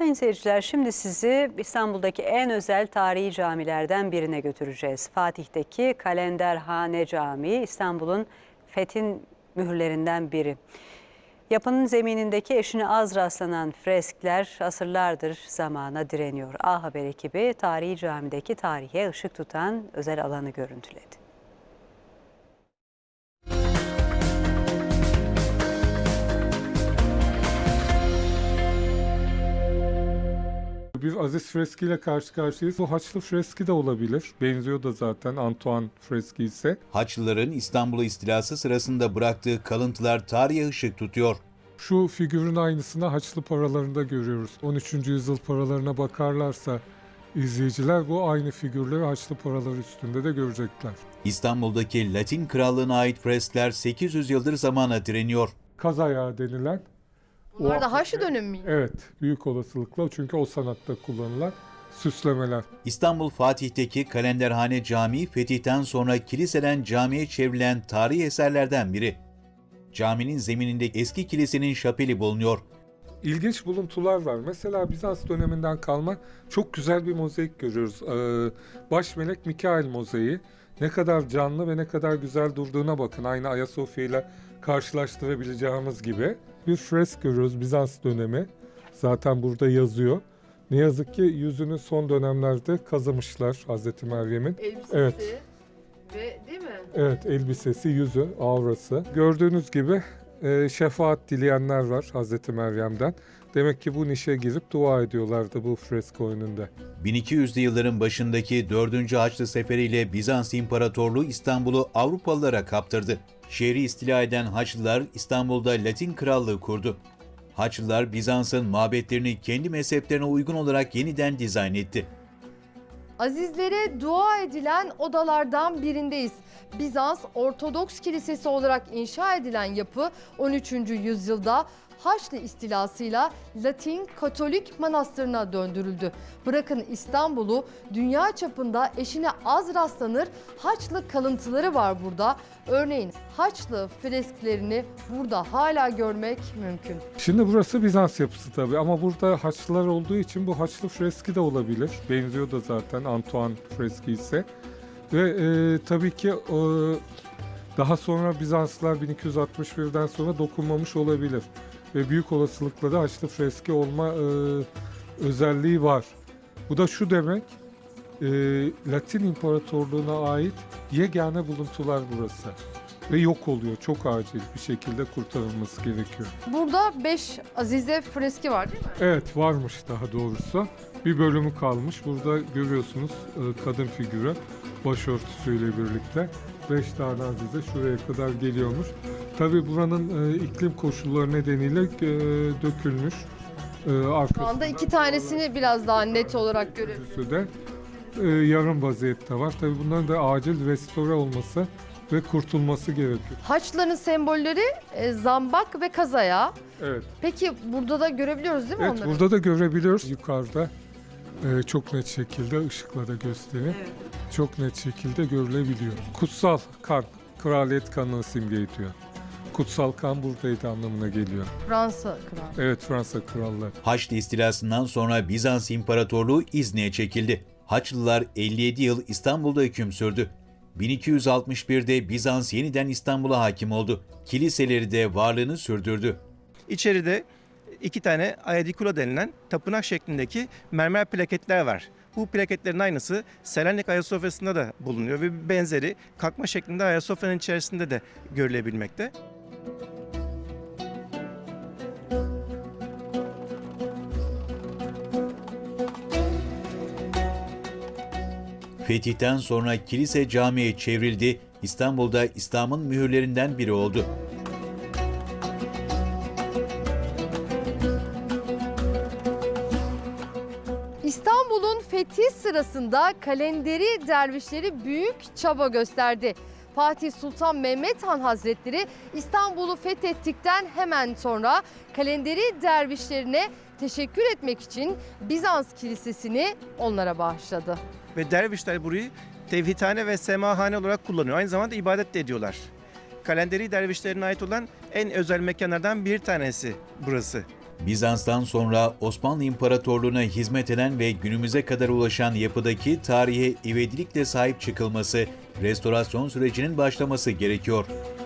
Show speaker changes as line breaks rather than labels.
Sayın seyirciler, şimdi sizi İstanbul'daki en özel tarihi camilerden birine götüreceğiz. Fatih'teki Kalenderhane Camii, İstanbul'un fethin mühürlerinden biri. Yapının zeminindeki eşine az rastlanan freskler asırlardır zamana direniyor. A Haber ekibi tarihi camideki tarihe ışık tutan özel alanı görüntüledi.
Bir Aziz freskiyle karşı karşıyayız. Bu Haçlı freski de olabilir. Benziyor da zaten Antoine freski ise.
Haçlıların İstanbul'u istilası sırasında bıraktığı kalıntılar tarihe ışık tutuyor.
Şu figürün aynısını Haçlı paralarında görüyoruz. 13. yüzyıl paralarına bakarlarsa izleyiciler bu aynı figürleri Haçlı paralar üstünde de görecekler.
İstanbul'daki Latin Krallığı'na ait freskler 800 yıldır zamana direniyor.
Kaz ayağı denilen.
Bunlar da Haçlı dönemi mi?
Evet, büyük olasılıkla çünkü o sanatta kullanılan süslemeler.
İstanbul Fatih'teki Kalenderhane Camii fetihten sonra kiliseden camiye çevrilen tarihi eserlerden biri. Caminin zemininde eski kilisenin şapeli bulunuyor.
İlginç buluntular var. Mesela Bizans döneminden kalma çok güzel bir mozaik görüyoruz. Baş melek Mikail mozaiği. Ne kadar canlı ve ne kadar güzel durduğuna bakın. Aynı Ayasofya ile karşılaştırabileceğimiz gibi. Bir fresk görüyoruz Bizans dönemi. Zaten burada yazıyor. Ne yazık ki yüzünü son dönemlerde kazımışlar Hazreti Meryem'in.
Elbisesi
Evet.
ve değil mi?
Evet, elbisesi, yüzü, aurası. Gördüğünüz gibi şefaat dileyenler var Hazreti Meryem'den. Demek ki bu nişe girip dua ediyorlardı bu fresko önünde.
1200'lü yılların başındaki 4. Haçlı Seferi ile Bizans İmparatorluğu İstanbul'u Avrupalılara kaptırdı. Şehri istila eden Haçlılar İstanbul'da Latin Krallığı kurdu. Haçlılar Bizans'ın mabetlerini kendi mezheplerine uygun olarak yeniden dizayn etti.
Azizlere dua edilen odalardan birindeyiz. Bizans Ortodoks Kilisesi olarak inşa edilen yapı 13. yüzyılda Haçlı istilasıyla Latin Katolik manastırına döndürüldü. Bırakın İstanbul'u, dünya çapında eşine az rastlanır Haçlı kalıntıları var burada. Örneğin Haçlı fresklerini burada hala görmek mümkün.
Şimdi burası Bizans yapısı tabii ama burada Haçlılar olduğu için bu Haçlı freski de olabilir. Benziyor da zaten Antoine freski ise. Ve tabii ki daha sonra Bizanslılar 1261'den sonra dokunmamış olabilir. Ve büyük olasılıkla da Haçlı freski olma özelliği var. Bu da şu demek, Latin İmparatorluğu'na ait yegane buluntular burası. Ve yok oluyor. Çok acil bir şekilde kurtarılması gerekiyor.
Burada 5 Azize freski var değil mi?
Evet, varmış daha doğrusu. Bir bölümü kalmış. Burada görüyorsunuz kadın figürü başörtüsüyle birlikte. 5 tane Azize şuraya kadar geliyormuş. Tabii buranın iklim koşulları nedeniyle dökülmüş.
Şu anda 2 tanesini biraz daha net olarak görüyoruz.
de yarım vaziyette var. Tabii bunların da acil restore olması ve kurtulması gerekiyor.
Haçlıların sembolleri zambak ve kaz ayağı.
Evet.
Peki burada da görebiliyoruz değil mi
Evet,
onları?
burada da görebiliyoruz. Yukarıda çok net şekilde ışıkla da göstereyim.
Evet.
Çok net şekilde görülebiliyor. Kutsal kan, kraliyet kanını simge ediyor. Kutsal kan buradaydı anlamına geliyor.
Fransa kralı.
Evet, Fransa krallığı.
Haçlı istilasından sonra Bizans İmparatorluğu İznik'e çekildi. Haçlılar 57 yıl İstanbul'da hüküm sürdü. 1261'de Bizans yeniden İstanbul'a hakim oldu. Kiliseleri de varlığını sürdürdü.
İçeride 2 tane Aedikula denilen tapınak şeklindeki mermer plaketler var. Bu plaketlerin aynısı Selanik Ayasofya'sında da bulunuyor ve benzeri kalkma şeklinde Ayasofya'nın içerisinde de görülebilmekte.
Fetihten sonra kilise camiye çevrildi. İstanbul'da İslam'ın mühürlerinden biri oldu.
İstanbul'un fethi sırasında Kalenderi dervişleri büyük çaba gösterdi. Fatih Sultan Mehmet Han Hazretleri İstanbul'u fethettikten hemen sonra Kalenderi dervişlerine teşekkür etmek için Bizans Kilisesi'ni onlara bağışladı.
Ve dervişler burayı tevhidhane ve semahane olarak kullanıyor. Aynı zamanda ibadet de ediyorlar. Kalenderi dervişlerine ait olan en özel mekanlardan bir tanesi burası.
Bizans'tan sonra Osmanlı İmparatorluğu'na hizmet eden ve günümüze kadar ulaşan yapıdaki tarihe ivedilikle sahip çıkılması, restorasyon sürecinin başlaması gerekiyor.